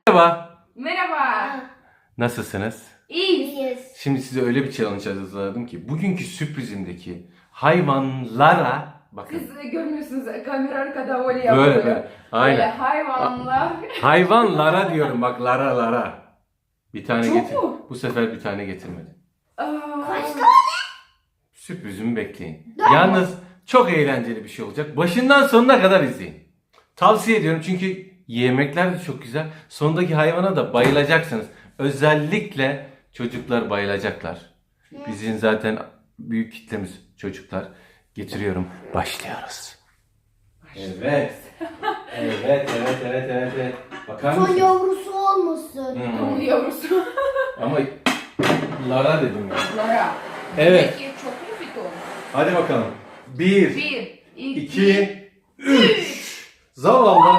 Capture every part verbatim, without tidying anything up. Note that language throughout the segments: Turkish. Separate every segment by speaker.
Speaker 1: Merhaba.
Speaker 2: Merhaba.
Speaker 1: Nasılsınız?
Speaker 2: İyiyiz.
Speaker 1: Şimdi size öyle bir challenge hazırladım ki bugünkü sürprizimdeki hayvanlara bakın.
Speaker 2: Siz görmüyorsunuz kamera arkada öyle yapıyor.
Speaker 1: Böyle böyle. Aynen.
Speaker 2: Böyle hayvanlar.
Speaker 1: Hayvanlara diyorum bak lara lara. Bir tane
Speaker 2: Çok
Speaker 1: getir.
Speaker 2: mu?
Speaker 1: Bu sefer bir tane getirmedi.
Speaker 2: Aa,
Speaker 1: Sürprizimi bekleyin. Yalnız çok eğlenceli bir şey olacak. Başından sonuna kadar izleyin. Tavsiye ediyorum çünkü yemekler de çok güzel. Sondaki hayvana da bayılacaksınız. Özellikle çocuklar bayılacaklar. Bizim zaten büyük kitlemiz çocuklar. Getiriyorum. Başlıyoruz. Evet. Evet, evet, evet, evet, evet. Bakar
Speaker 3: Son
Speaker 1: mısın?
Speaker 3: yavrusu olmasın.
Speaker 1: Hmm.
Speaker 2: Onun yavrusu.
Speaker 1: Ama Lara dedim ya.
Speaker 2: Lara.
Speaker 1: Evet.
Speaker 2: Peki çok mu piton?
Speaker 1: Hadi bakalım. Bir,
Speaker 2: Bir, iki,
Speaker 1: iki, üç. Zavallı.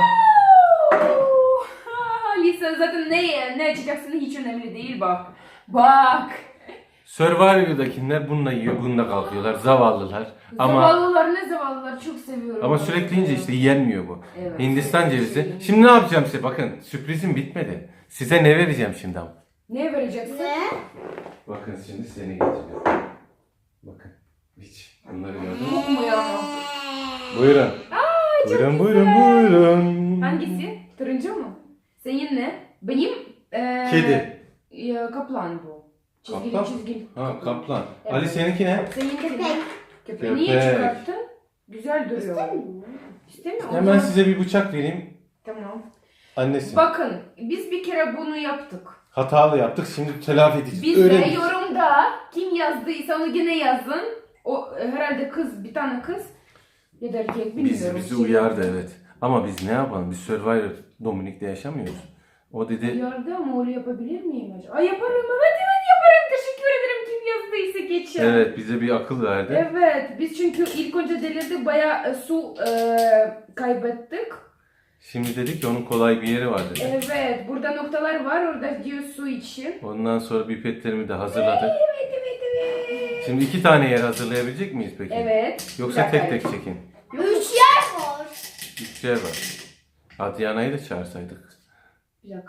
Speaker 2: Lisa zaten ne, ne açacaksın hiç önemli değil bak. Bak.
Speaker 1: Survivor'dakiler bununla yiyor, bununla kalkıyorlar. Zavallılar. Ama
Speaker 2: Zavallılar ne zavallılar çok seviyorum.
Speaker 1: ama sürekli yiyince işte yenmiyor bu.
Speaker 2: Evet.
Speaker 1: Hindistan cevizi. Şimdi ne yapacağım size? Bakın sürprizim bitmedi. Size ne vereceğim şimdi ama?
Speaker 2: Ne vereceksin?
Speaker 3: Ne?
Speaker 1: Bakın şimdi size ne getiriyorum. Bakın. Hiç. Bunları gördün mü?
Speaker 2: Çok mu ya?
Speaker 1: Buyurun.
Speaker 2: Aa, çok
Speaker 1: Buyurun,
Speaker 2: güzel.
Speaker 1: buyurun, buyurun.
Speaker 2: Hangisi? Turuncu mu? Senin ne? Benim eee
Speaker 1: Kedi.
Speaker 2: ya, kaplan bu. Çizgili
Speaker 1: Kaplan?
Speaker 2: çizgili.
Speaker 1: Ha, kaplan.
Speaker 2: Evet.
Speaker 1: Ali seninki ne?
Speaker 2: Seninki
Speaker 3: Köpek.
Speaker 2: ne? Köpeği niye
Speaker 1: Köpek.
Speaker 2: çıkarttın? Güzel duruyor. İstemiyor musun?
Speaker 1: Hemen size bir bıçak vereyim.
Speaker 2: Tamam.
Speaker 1: Annesi.
Speaker 2: Bakın biz bir kere bunu yaptık.
Speaker 1: Hatalı yaptık. Şimdi telafi edeceğiz.
Speaker 2: Biz de
Speaker 1: Öğreneceğiz.
Speaker 2: yorumda kim yazdıysa onu yine yazın. O herhalde kız, bir tane kız ya da erkek bilmiyorum.
Speaker 1: Bizi, bizi
Speaker 2: Kim
Speaker 1: uyardı
Speaker 2: yazdı?
Speaker 1: evet. Ama biz ne yapalım? Biz Survivor Dominik'te yaşamıyoruz. O dedi
Speaker 2: Uyardı ama öyle yapabilir miyim acaba? Ay yaparım, evet evet yaparım. Teşekkür ederim kim yazdıysa geçen.
Speaker 1: evet bize bir akıl verdi.
Speaker 2: Evet, biz çünkü ilk önce delirdik, bayağı e, su e, kaybettik.
Speaker 1: Şimdi dedi ki onun kolay bir yeri var dedi.
Speaker 2: Evet, burada noktalar var, orada diyor su için.
Speaker 1: Ondan sonra pipetlerimi de hazırladık.
Speaker 2: Evet, evet, evet.
Speaker 1: Şimdi iki tane yer hazırlayabilecek miyiz peki?
Speaker 2: Evet.
Speaker 1: Yoksa
Speaker 2: Bir
Speaker 1: tek
Speaker 2: dakika.
Speaker 1: tek çekin.
Speaker 3: Üç yer var.
Speaker 1: Üç yer var. Adriana'yı da çağırsaydık.
Speaker 2: Bir dakika.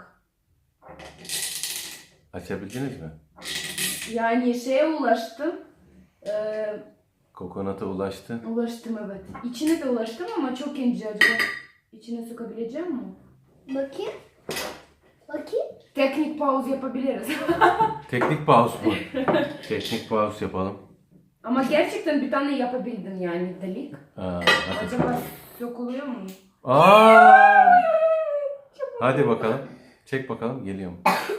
Speaker 1: Açabildiniz mi?
Speaker 2: Yani şeye ulaştım. Ee,
Speaker 1: Kokonata ulaştı.
Speaker 2: ulaştım evet. İçine de ulaştım ama çok ince acaba. İçine sokabileceğim mi?
Speaker 3: Bakayım. Bakayım.
Speaker 2: Teknik pause yapabiliriz.
Speaker 1: Teknik pause mu? Teknik pause yapalım.
Speaker 2: Ama gerçekten bir tane yapabildin yani delik.
Speaker 1: Aa, hadi.
Speaker 2: Acaba sokuluyor mu?
Speaker 1: Aa! Hadi bakalım. Çek bakalım. Geliyorum.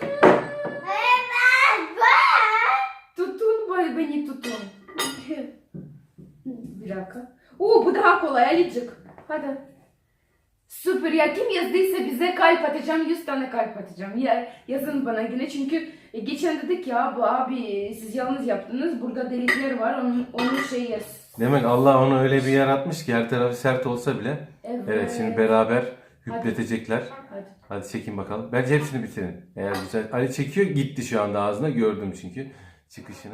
Speaker 2: Tutun böyle beni tutun. Bir dakika. Oo bu daha kolay Alicik. Hadi. Süper ya kim yazdıysa bize kalp atacağım. yüz tane kalp atacağım. Ya, yazın bana yine çünkü e, geçen dedik ya bu abi siz yalnız yaptınız. Burada delikler var. Onun, onun şey yaz.
Speaker 1: Demek Allah onu öyle bir yaratmış ki her tarafı sert olsa bile.
Speaker 2: Evet.
Speaker 1: Evet şimdi beraber hüpletecekler.
Speaker 2: Hadi.
Speaker 1: Hadi çekin bakalım. Bence hepsini bitirin. Eğer güzel. Ali çekiyor gitti şu anda ağzına. Gördüm çünkü çıkışını.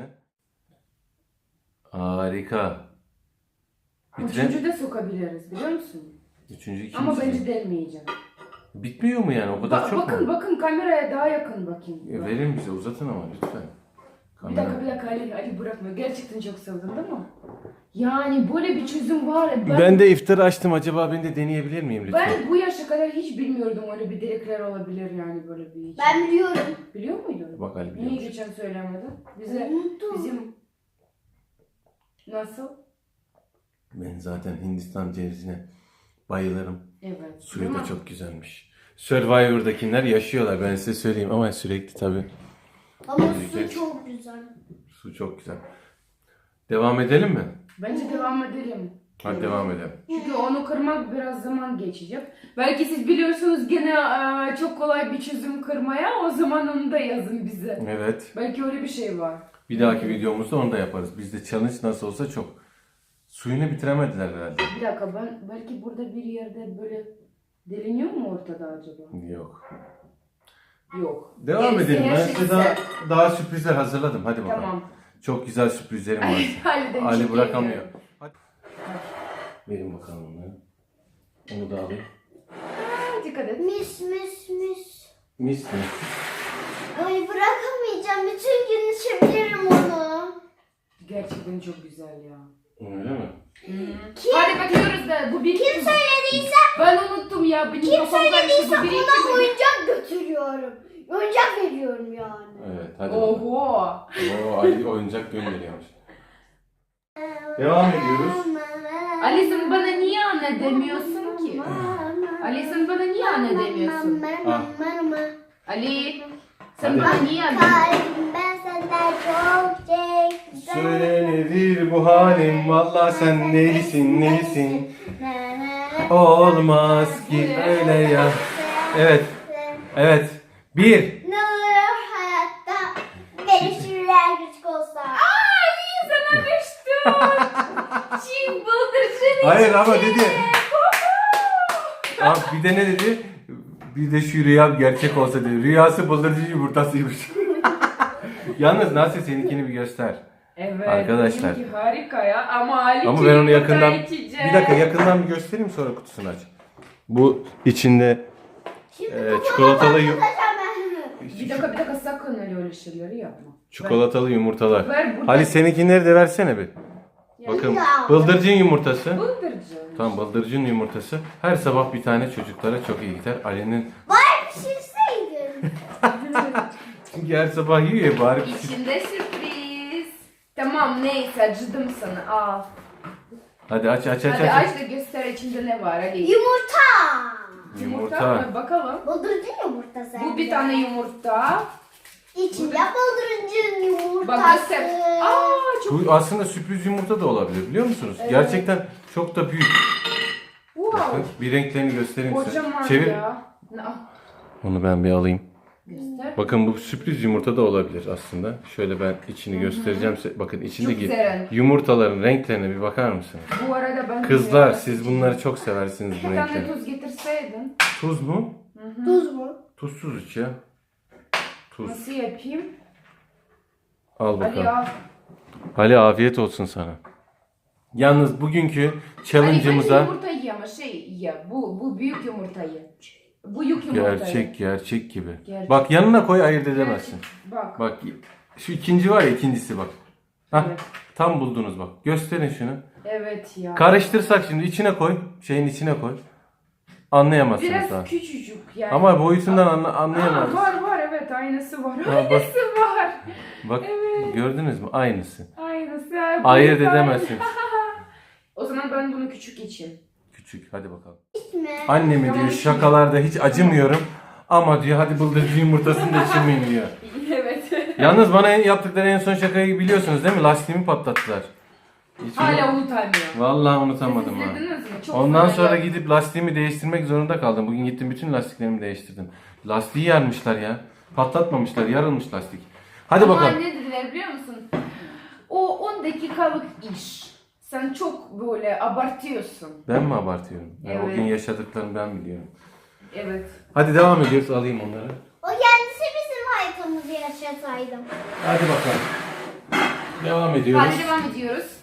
Speaker 1: Harika. Bitiren.
Speaker 2: Üçüncü de sokabiliriz biliyor musun?
Speaker 1: Üçüncü ikinci.
Speaker 2: Ama bence delmeyeceğim.
Speaker 1: Bitmiyor mu yani? O kadar
Speaker 2: Ba-
Speaker 1: çok
Speaker 2: bakın
Speaker 1: mu?
Speaker 2: bakın kameraya daha yakın bakayım.
Speaker 1: E, verin bize uzatın ama lütfen.
Speaker 2: Bir dakika bir dakika Ali, Ali bırakma. Gerçekten çok sevdin değil mi? Yani böyle bir çözüm var. Ben,
Speaker 1: Ben de iftar açtım. Acaba ben de deneyebilir miyim lütfen?
Speaker 2: ben bu yaşa kadar hiç bilmiyordum öyle bir delikler olabilir yani böyle bir.
Speaker 3: Ben biliyorum.
Speaker 2: Biliyor muydun?
Speaker 1: Bak Ali
Speaker 2: Niye
Speaker 1: biliyormuş.
Speaker 2: geçen söylemedin? Bize
Speaker 3: Unuttum.
Speaker 2: bizim nasıl?
Speaker 1: Ben zaten Hindistan cevizine bayılırım.
Speaker 2: Evet.
Speaker 1: Suyu
Speaker 2: Değil
Speaker 1: da
Speaker 2: mi?
Speaker 1: çok güzelmiş. Survivor'dakiler yaşıyorlar ben size söyleyeyim ama sürekli tabii.
Speaker 3: Ama
Speaker 1: Güzel.
Speaker 3: su çok güzel.
Speaker 1: Su çok güzel. Devam edelim mi?
Speaker 2: Bence devam edelim.
Speaker 1: Hadi devam edelim.
Speaker 2: Çünkü onu kırmak biraz zaman geçecek. Belki siz biliyorsunuz gene eee, çok kolay bir çözüm kırmaya. O zaman onu da yazın bize.
Speaker 1: Evet.
Speaker 2: Belki öyle bir şey var.
Speaker 1: Bir dahaki videomuzda onu da yaparız. Bizde challenge nasıl olsa çok. Suyunu bitiremediler herhalde.
Speaker 2: Bir dakika ben belki burada bir yerde böyle deliniyor mu ortada acaba?
Speaker 1: Yok.
Speaker 2: Yok.
Speaker 1: Devam
Speaker 2: Gerisi
Speaker 1: edelim.
Speaker 2: her
Speaker 1: Ben
Speaker 2: şey
Speaker 1: size daha,
Speaker 2: güzel.
Speaker 1: daha sürprizler hazırladım. Hadi bakalım.
Speaker 2: Tamam.
Speaker 1: Çok güzel sürprizlerim var.
Speaker 2: Ali'den
Speaker 1: Ali
Speaker 2: çok
Speaker 1: bırakamıyor.
Speaker 2: geliyor.
Speaker 1: Hadi. Verin bakalım onları. Onu da alayım.
Speaker 2: Aa, dikkat et.
Speaker 3: Mis mis mis.
Speaker 1: Mis mi?
Speaker 3: Ay bırakamayacağım. Bütün gün içebilirim onu.
Speaker 2: Gerçekten çok güzel ya.
Speaker 1: Öyle mi?
Speaker 3: Kim,
Speaker 2: Hadi bakıyoruz da bu bir
Speaker 3: kim söylediyse,
Speaker 2: Ben unuttum ya. Benim
Speaker 3: kim
Speaker 2: kafam karıştı.
Speaker 3: söylediyse
Speaker 2: Bu bir
Speaker 3: ona oyuncak götürüyorum. Oyuncak veriyorum yani.
Speaker 1: Evet hadi.
Speaker 2: Oho.
Speaker 1: Oo, Ali oyuncak gönderiyormuş. Devam ediyoruz.
Speaker 2: Ali sen bana niye anne demiyorsun ki? Ali sen bana niye anne demiyorsun?
Speaker 1: Ah.
Speaker 2: Ali sen
Speaker 1: Hadi.
Speaker 2: bana niye anne demiyorsun?
Speaker 3: Kalbim ben senden çok çektim.
Speaker 1: Söyle nedir bu halim? Valla sen neysin neysin? Olmaz ki öyle ya. Evet. Evet. Bir.
Speaker 3: Ne olur hayatta benim şiirler küçük olsa.
Speaker 2: Ali sana düştüm. Çin bıldırcın
Speaker 1: Hayır ama dedi. Abi bir de ne dedi? Bir de şu rüya gerçek olsa dedi. Rüyası bıldırcın yumurtasıymış. Yalnız nasıl seninkini bir göster.
Speaker 2: Evet.
Speaker 1: Arkadaşlar.
Speaker 2: benimki harika ya ama Ali
Speaker 1: Ama ben onu yakından
Speaker 2: içeceğim.
Speaker 1: bir dakika yakından bir göstereyim sonra kutusunu aç. Bu içinde
Speaker 3: Şimdi
Speaker 1: e,
Speaker 3: bu
Speaker 1: çikolatalı yu-
Speaker 3: bakacağım ben.
Speaker 2: Bir dakika bir dakika sakın öyle öyle şeyleri yapma.
Speaker 1: çikolatalı yumurtalar.
Speaker 2: Ver burada.
Speaker 1: Ali seninkileri de versene bir. Bakın
Speaker 3: Ya.
Speaker 1: bıldırcın yumurtası.
Speaker 2: Bıldırcın.
Speaker 1: Tamam bıldırcın yumurtası. Her sabah bir tane çocuklara çok iyi gider. Ali'nin
Speaker 3: Bari pişirseydin.
Speaker 1: çünkü her sabah yiyor ya bari.
Speaker 2: İçinde sürpriz. Tamam neyse acıdım sana al.
Speaker 1: Hadi aç aç aç
Speaker 2: Hadi
Speaker 1: aç.
Speaker 2: aç da göster içinde ne var Ali.
Speaker 3: Yumurta.
Speaker 2: Yumurta mı? Bakalım.
Speaker 3: Bıldırcın yumurtası.
Speaker 2: Bu bir tane yumurta.
Speaker 3: İçinde bıldırcın yumurtası.
Speaker 2: Bak göster. Aa çok
Speaker 1: Bu aslında sürpriz yumurta da olabilir biliyor musunuz?
Speaker 2: Evet.
Speaker 1: Gerçekten çok da büyük.
Speaker 2: wow.
Speaker 1: Bakın bir renklerini göstereyim size.
Speaker 2: Kocaman
Speaker 1: Çevir.
Speaker 2: ya. Al.
Speaker 1: Onu ben bir alayım.
Speaker 2: Göster.
Speaker 1: Bakın bu sürpriz yumurta da olabilir aslında. Şöyle ben içini göstereceğim size. Bakın içindeki
Speaker 2: güzel.
Speaker 1: yumurtaların renklerine bir bakar mısınız?
Speaker 2: Bu arada ben
Speaker 1: Kızlar
Speaker 2: de-
Speaker 1: siz bunları çok seversiniz bu
Speaker 2: Bir tane
Speaker 1: renkleri.
Speaker 2: tuz getirseydin.
Speaker 1: Tuz mu?
Speaker 3: Tuz mu?
Speaker 1: Tuzsuz iç ya. Tuz.
Speaker 2: Nasıl yapayım?
Speaker 1: Al
Speaker 2: Ali
Speaker 1: bakalım.
Speaker 2: al.
Speaker 1: Ali afiyet olsun sana. Yalnız bugünkü
Speaker 2: Ali bence
Speaker 1: challenge'ımıza
Speaker 2: yumurtayı ye ama şey ye. Bu, bu büyük yumurtayı. Bu büyük yumurtayı.
Speaker 1: gerçek gerçek gibi.
Speaker 2: Gerçek.
Speaker 1: Bak yanına koy ayırt edemezsin.
Speaker 2: Bak.
Speaker 1: Bak şu ikinci var ya ikincisi bak. Hah,
Speaker 2: Evet.
Speaker 1: tam buldunuz bak. Gösterin şunu.
Speaker 2: Evet ya.
Speaker 1: Karıştırsak şimdi içine koy. Şeyin içine koy. Anlayamazsınız
Speaker 2: Biraz
Speaker 1: daha.
Speaker 2: küçücük yani.
Speaker 1: Ama boyutundan anla,
Speaker 2: Aa,
Speaker 1: anlayamazsınız.
Speaker 2: var var evet aynısı var.
Speaker 1: bak.
Speaker 2: Aynısı var.
Speaker 1: Bak
Speaker 2: Evet.
Speaker 1: gördünüz mü? Aynısı.
Speaker 2: Aynısı. ya,
Speaker 1: Ayırt
Speaker 2: büyük
Speaker 1: edemezsiniz.
Speaker 2: O zaman ben bunu küçük içeyim.
Speaker 1: Küçük hadi bakalım.
Speaker 3: İçme.
Speaker 1: Annemi
Speaker 2: Tamam,
Speaker 1: diyor
Speaker 2: şimdi.
Speaker 1: şakalarda hiç acımıyorum. Ama diyor hadi bıldırcın yumurtasını da içirmeyin diyor.
Speaker 2: Evet.
Speaker 1: Yalnız bana en- yaptıkları en son şakayı biliyorsunuz değil mi? Lastiğimi patlattılar. Hiç
Speaker 2: Hala
Speaker 1: unu-
Speaker 2: unutamıyorum.
Speaker 1: Vallahi unutamadım ha.
Speaker 2: İzlediniz mi? Çok
Speaker 1: Ondan
Speaker 2: fena
Speaker 1: sonra
Speaker 2: ya.
Speaker 1: gidip lastiğimi değiştirmek zorunda kaldım. Bugün gittim bütün lastiklerimi değiştirdim. Lastiği yarmışlar ya. Patlatmamışlar, yarılmış lastik. Hadi
Speaker 2: Ama
Speaker 1: bakalım.
Speaker 2: ne dediler biliyor musun? O on dakikalık iş. Sen çok böyle abartıyorsun.
Speaker 1: Ben mi abartıyorum? Ya O
Speaker 2: Evet.
Speaker 1: gün yaşadıklarımı ben biliyorum.
Speaker 2: Evet.
Speaker 1: Hadi devam ediyoruz. Alayım onları.
Speaker 3: O kendisi bizim hayatımızı yaşasaydım.
Speaker 1: Hadi bakalım. Devam ediyoruz.
Speaker 2: Hadi devam ediyoruz.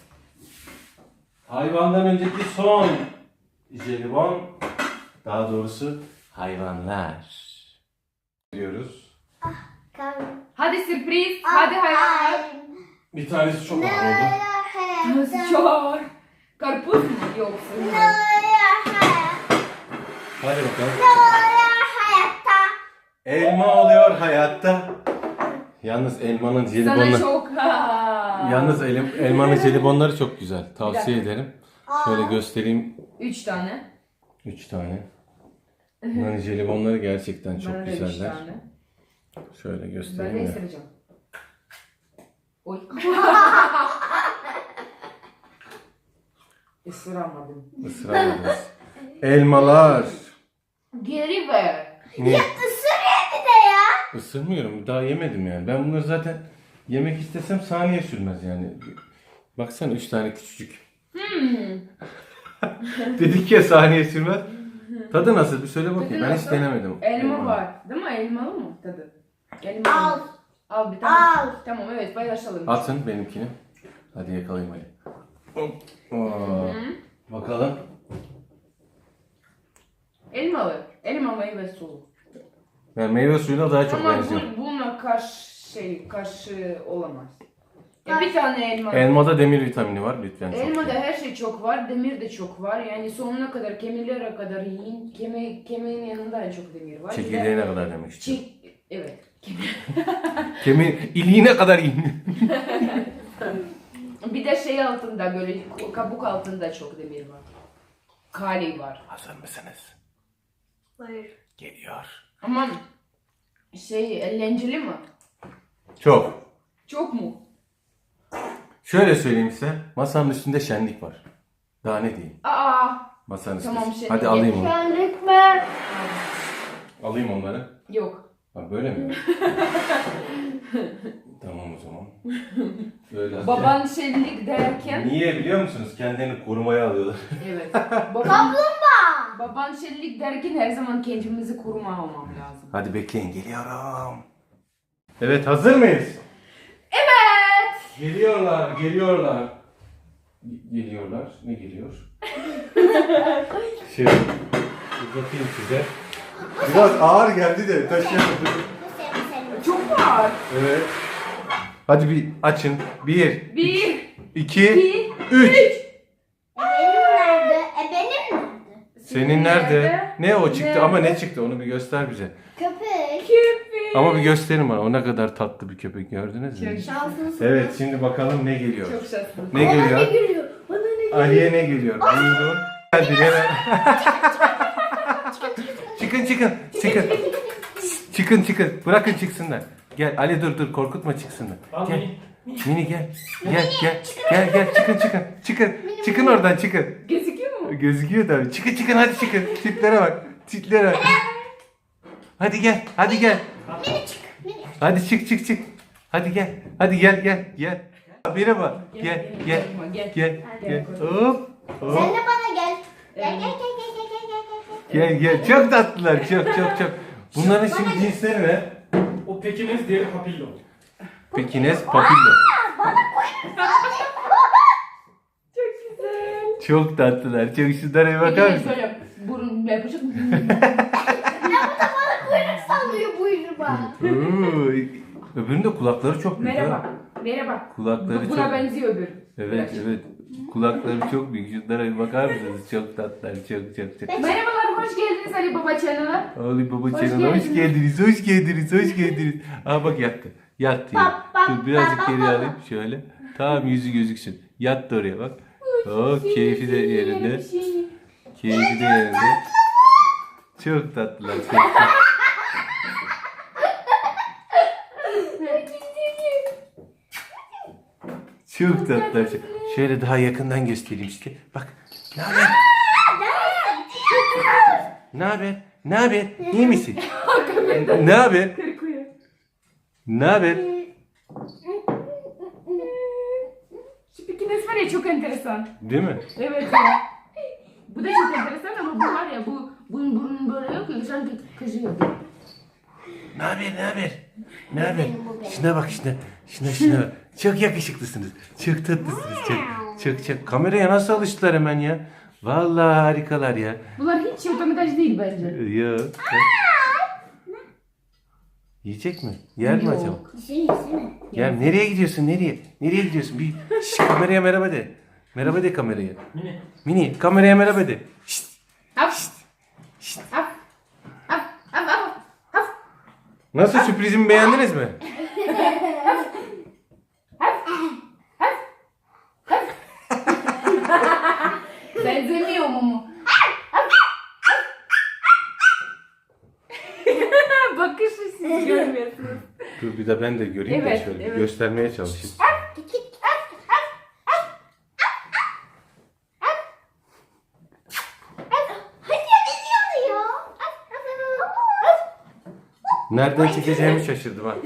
Speaker 1: Hayvandan önceki son jelibon. Daha doğrusu hayvanlar. Diyoruz.
Speaker 3: Kalbim.
Speaker 2: Hadi sürpriz. Hadi hayvanlar.
Speaker 1: Bir tanesi çok
Speaker 3: Ne
Speaker 1: ağır oldu.
Speaker 3: olur
Speaker 2: Nasıl
Speaker 3: hayatta.
Speaker 2: çok? Karpuz mu yoksa?
Speaker 3: Ne olur hayatta.
Speaker 1: Hadi bakalım.
Speaker 3: Ne olur hayatta.
Speaker 1: Elma oluyor hayatta. Yalnız elmanın
Speaker 2: Sana
Speaker 1: jelibonları.
Speaker 2: çok. Ha.
Speaker 1: Yalnız elim, elmanın jelibonları çok güzel. Tavsiye
Speaker 2: dakika.
Speaker 1: ederim. Şöyle göstereyim.
Speaker 2: Üç tane.
Speaker 1: Üç tane. Bunların jelibonları gerçekten çok
Speaker 2: Bana da üç
Speaker 1: güzeller.
Speaker 2: tane.
Speaker 1: Şöyle
Speaker 2: Ben
Speaker 1: göstereyim
Speaker 2: de
Speaker 1: ya.
Speaker 2: istemeyeceğim. Oy. Isıramadım.
Speaker 1: Isıramadınız. Elmalar.
Speaker 2: Geri ver.
Speaker 1: Niye?
Speaker 3: Isırıyor bir de ya.
Speaker 1: Isırmıyorum. Daha yemedim yani. Ben bunları zaten yemek istesem saniye sürmez yani. Baksana üç tane küçücük.
Speaker 2: Hmm.
Speaker 1: Dedik ya saniye sürmez. Tadı nasıl? Bir söyle bakayım.
Speaker 2: Tadı
Speaker 1: Ben hiç
Speaker 2: nasıl?
Speaker 1: denemedim.
Speaker 2: Elma var. Değil mi? Elmalı mı tadı? Elmalı.
Speaker 3: Al.
Speaker 2: mı? Al bir tane.
Speaker 3: Al.
Speaker 2: Tamam evet paylaşalım.
Speaker 1: Atın benimkini. Hadi yakalayayım hadi. Hop. Oo. Bakalım.
Speaker 2: Elmalı. Elma meyve sulu.
Speaker 1: Yani meyve suyuna daha çok
Speaker 2: Ama
Speaker 1: benziyor.
Speaker 2: bu, buna karşı şey karşı olamaz. Ya bir tane elma.
Speaker 1: Elmada demir vitamini var lütfen. çok
Speaker 2: Elmada
Speaker 1: iyi.
Speaker 2: her şey çok var, demir de çok var. Yani sonuna kadar, kemiklerine kadar yiyin. Kemi, kemiğin yanında en çok demir var. Bir de-
Speaker 1: Çekirdeğine kadar demek istiyorum.
Speaker 2: Çek, evet.
Speaker 1: Kemiğin iliğine kadar yiyin.
Speaker 2: Bir de şey altında böyle kabuk altında çok demir var. Kali var.
Speaker 1: Hazır mısınız?
Speaker 3: Hayır.
Speaker 1: Geliyor.
Speaker 2: Ama şey eğlenceli mi?
Speaker 1: Çok.
Speaker 2: Çok mu?
Speaker 1: Şöyle söyleyeyim size. Masanın üstünde şenlik var. Daha ne diyeyim?
Speaker 2: Aa,
Speaker 1: Masanın üstünde.
Speaker 2: Tamam, şenlik
Speaker 1: Hadi alayım onu.
Speaker 3: Şenlik mi?
Speaker 1: Alayım onları.
Speaker 2: yok.
Speaker 1: Ha böyle mi? Tamam o zaman. Böyle
Speaker 2: Baban şenlik derken
Speaker 1: Niye biliyor musunuz? Kendilerini korumaya alıyorlar.
Speaker 2: evet. Baban, baban şenlik derken her zaman kendimizi koruma almam lazım.
Speaker 1: Hadi bekleyin geliyorum. Evet hazır mıyız?
Speaker 2: Evet.
Speaker 1: Geliyorlar, geliyorlar. Geliyorlar. Ne geliyor? Şey, uzatayım size. Biraz ağır geldi de taşıyamadım.
Speaker 2: Çok var.
Speaker 1: Evet. Hadi bir açın. Bir,
Speaker 2: Bir,
Speaker 1: iki,
Speaker 2: iki,
Speaker 1: üç.
Speaker 3: Benim nerede? E benim nerede?
Speaker 1: Senin nerede? Ne o çıktı
Speaker 2: Nerede?
Speaker 1: ama ne çıktı onu bir göster bize.
Speaker 3: Köpek.
Speaker 2: Köpek.
Speaker 1: Ama bir gösterin bana. O ne kadar tatlı bir köpek gördünüz mü?
Speaker 2: Çok
Speaker 3: Şansınız.
Speaker 1: Evet şimdi bakalım ne geliyor.
Speaker 2: Çok şaşırdım.
Speaker 1: Ne
Speaker 3: Bana ne
Speaker 1: geliyor?
Speaker 3: geliyor? Bana ne geliyor?
Speaker 1: Ali'ye ne geliyor? Buyurun. Hadi hemen. Çıkın çıkın. Çıkın. Çıkın çıkın. Bırakın çıksınlar. Gel Ali dur dur korkutma çıksınlar. Gel. Mini gel. Gel gel. Gel gel çıkın çıkın. Çıkın. Çıkın oradan çıkın.
Speaker 2: Gözüküyor mu?
Speaker 1: Gözüküyor tabii. Çıkın çıkın hadi çıkın. Tiplere bak. Tiplere bak. Hadi gel. Hadi gel.
Speaker 3: Mini çık. Mini.
Speaker 1: Hadi çık çık çık. Hadi gel. Hadi gel gel gel. Merhaba. Gel gel.
Speaker 2: Gel.
Speaker 1: Gel. Gel.
Speaker 2: Gel.
Speaker 1: Hop.
Speaker 3: Sen
Speaker 1: Hop.
Speaker 3: de bana gel. Gel gel gel gel gel gel gel.
Speaker 1: Gel gel. Çok tatlılar. Çok çok çok. Bunların şimdi cinsleri ne?
Speaker 4: O Pekiniz, diğeri Papillo.
Speaker 1: Pekines, papillo.
Speaker 2: Çok güzel.
Speaker 1: Çok tatlılar. Çok şunlara bir bakar mısın?
Speaker 2: Böyle burun yapacak mı?
Speaker 3: Kuyruk sallıyor buyurma.
Speaker 1: Oo, öbürünün de kulakları çok büyük.
Speaker 2: Merhaba.
Speaker 1: ha.
Speaker 2: Merhaba.
Speaker 1: Kulakları
Speaker 2: Bu-
Speaker 1: çok
Speaker 2: Buna benziyor öbür.
Speaker 1: Evet evet. Kulakları çok büyük. Şunlara bir bakar mısınız? Çok tatlılar. Çok çok çok.
Speaker 2: Merhabalar, hoş geldiniz Ali Baba Channel'a.
Speaker 1: Ali Baba
Speaker 2: Hoş
Speaker 1: Çenel hoş
Speaker 2: geldiniz.
Speaker 1: geldiniz. Hoş geldiniz. Hoş geldiniz. Aa bak yattı. Yattı ya.
Speaker 3: Bak, bak,
Speaker 1: Dur birazcık
Speaker 3: bak,
Speaker 1: geri
Speaker 3: bak,
Speaker 1: alayım. Şöyle. Tamam yüzü gözüksün. Yattı oraya bak. Oh keyfi de yerinde.
Speaker 2: Bir şey.
Speaker 1: Keyfi de yerinde. Çok tatlılar. Çok çok. Çok tatlılar. Çok. Şöyle daha yakından göstereyim işte. Bak. Ne haber? Ne haber? Ne haber? İyi misin? Ne haber?
Speaker 2: Korkuyor.
Speaker 1: Ne haber?
Speaker 2: Şu Pekines var ya, çok enteresan.
Speaker 1: Değil mi?
Speaker 2: Evet ya. Bu da çok enteresan ama bu var ya, bu bunun burnun böyle yok ya, sanki kızıyor.
Speaker 1: Ne haber? Ne haber? Ne haber? Şuna bak şuna. Şuna şuna bak. Çok yakışıklısınız. Çok tatlısınız. Çok çok çok. Kameraya nasıl alıştılar hemen ya? Vallahi harikalar ya.
Speaker 2: Bunlar hiç otomataj değil bence.
Speaker 1: Yok. Yiyecek mi? Yer mi
Speaker 2: Yok.
Speaker 1: acaba?
Speaker 3: Yesene yesene.
Speaker 1: Gel nereye gidiyorsun? Nereye? Nereye gidiyorsun? Bir şş, kameraya merhaba de. Merhaba de kameraya.
Speaker 4: Mini.
Speaker 1: Mini kameraya merhaba de. Şşt.
Speaker 2: Af. Af. Af. Af. Af. Af.
Speaker 1: Nasıl sürprizimi beğendiniz mi?
Speaker 2: Benzemiyor mu? Bakışı siz görmüyorsunuz.
Speaker 1: Dur bir de ben de göreyim
Speaker 2: Evet,
Speaker 1: de şöyle bir
Speaker 2: evet.
Speaker 1: göstermeye çalışayım.
Speaker 3: Hadi ne diyor ya?
Speaker 1: Nereden çekeceğimi şaşırdım ha.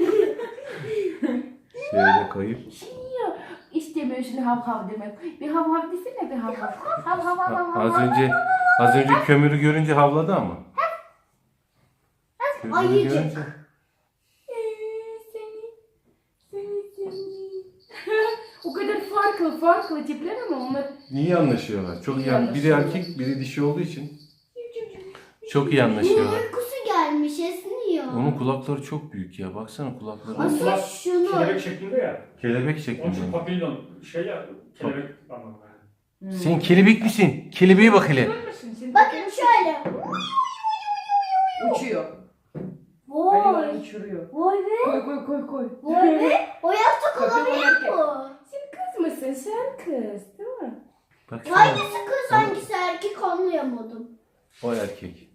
Speaker 1: Şöyle koyayım.
Speaker 2: Yok. İstemiyorsun hav hav demek. Bir hav hav desene, bir hav hav. Hav hav hav hav hav.
Speaker 1: Az önce az önce kömürü görünce havladı ama. Kömürü
Speaker 3: Ayıcık.
Speaker 1: görünce.
Speaker 2: Ee, Seni. Seni seni. O kadar farklı farklı tipler ama onlar
Speaker 1: İyi anlaşıyorlar. Çok iyi.
Speaker 2: İyi
Speaker 1: an- Biri
Speaker 2: anlaşıyorlar.
Speaker 1: erkek, biri dişi olduğu için çok iyi anlaşıyorlar.
Speaker 3: Uykusu gelmiş esniyor. konmuyor.
Speaker 1: Onun kulakları çok büyük ya. Baksana kulakları.
Speaker 3: Asıl
Speaker 4: Kulak
Speaker 3: şunu.
Speaker 4: Kelebek şeklinde ya.
Speaker 1: Kelebek
Speaker 4: Onun
Speaker 1: şeklinde.
Speaker 4: için papillon şey ya kelebek anlamında.
Speaker 2: Hmm.
Speaker 1: Sen kelebek misin? Kelebeğe bak hele.
Speaker 3: Bakın şöyle.
Speaker 2: Uçuyor.
Speaker 3: Vay.
Speaker 2: Hayvan uçuruyor.
Speaker 3: Vay be.
Speaker 2: Koy koy koy koy.
Speaker 3: Vay be. O yastık
Speaker 2: Kapı
Speaker 3: olabilir
Speaker 2: erkek.
Speaker 3: mu?
Speaker 2: Sen kız mısın? Sen kız değil mi?
Speaker 1: Baksana.
Speaker 3: Hangisi kız hangisi erkek anlayamadım.
Speaker 1: O erkek.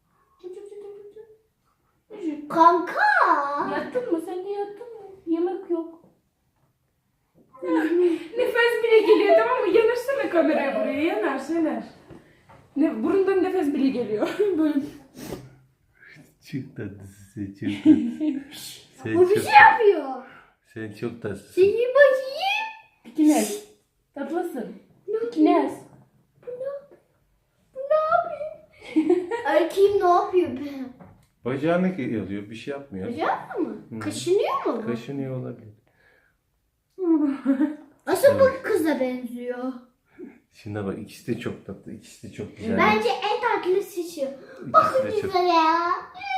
Speaker 3: Kanka.
Speaker 2: Yattın mı? Sen de yattın mı? Yemek yok. Nefes bile geliyor tamam mı? Yanaşsana kameraya buraya. Yanaş yanaş. Ne, burundan nefes bile geliyor. Böyle.
Speaker 1: Çok tatlısın. Çok tatlısın. Sen
Speaker 3: Bu bir
Speaker 1: çok,
Speaker 3: şey yapıyor.
Speaker 1: sen çok tatlısın.
Speaker 3: Seni bakayım.
Speaker 2: Pikines. Tatlısın. Pikines.
Speaker 3: Erkeğim ne yapıyor be?
Speaker 1: Bacağını yalıyor. Bir şey yapmıyor.
Speaker 3: Bacak mı? Kaşınıyor mu bu?
Speaker 1: Kaşınıyor olabilir.
Speaker 3: Asıl bu kıza benziyor.
Speaker 1: Şimdi bak ikisi de çok tatlı. İkisi de çok güzel.
Speaker 3: Bence en tatlı seçiyor.
Speaker 1: İkisi
Speaker 3: Bakın
Speaker 1: de çok.
Speaker 3: güzel ya.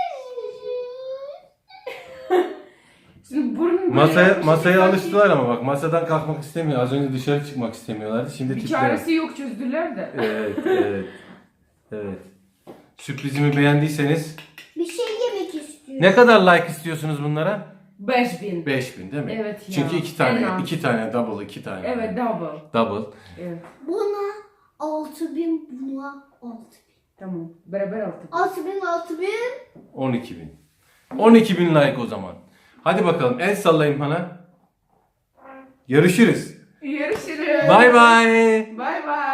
Speaker 2: Şimdi burnun böyle
Speaker 1: Masaya,
Speaker 2: yapmış,
Speaker 1: masaya
Speaker 2: sanki
Speaker 1: alıştılar ama bak masadan kalkmak istemiyor. Az önce dışarı çıkmak istemiyorlardı. Şimdi
Speaker 2: Bir
Speaker 1: tipler.
Speaker 2: çaresi yok çözdüler de.
Speaker 1: Evet, evet. Evet. Sürprizimi beğendiyseniz
Speaker 3: Bir şey yemek istiyor.
Speaker 1: ne kadar like istiyorsunuz bunlara?
Speaker 2: beş bin.
Speaker 1: beş bin değil mi?
Speaker 2: Evet ya.
Speaker 1: Çünkü iki
Speaker 2: En
Speaker 1: tane,
Speaker 2: az.
Speaker 1: iki tane double, iki tane.
Speaker 2: Evet double.
Speaker 1: Double.
Speaker 2: Evet.
Speaker 3: Buna altı bin, buna altı bin.
Speaker 2: Tamam. Beraber aldık.
Speaker 3: altı bin, altı bin.
Speaker 1: on iki bin. on iki bin like o zaman. Hadi bakalım el sallayın bana. Görüşürüz.
Speaker 2: Görüşürüz.
Speaker 1: Bay bay.
Speaker 2: Bay bay.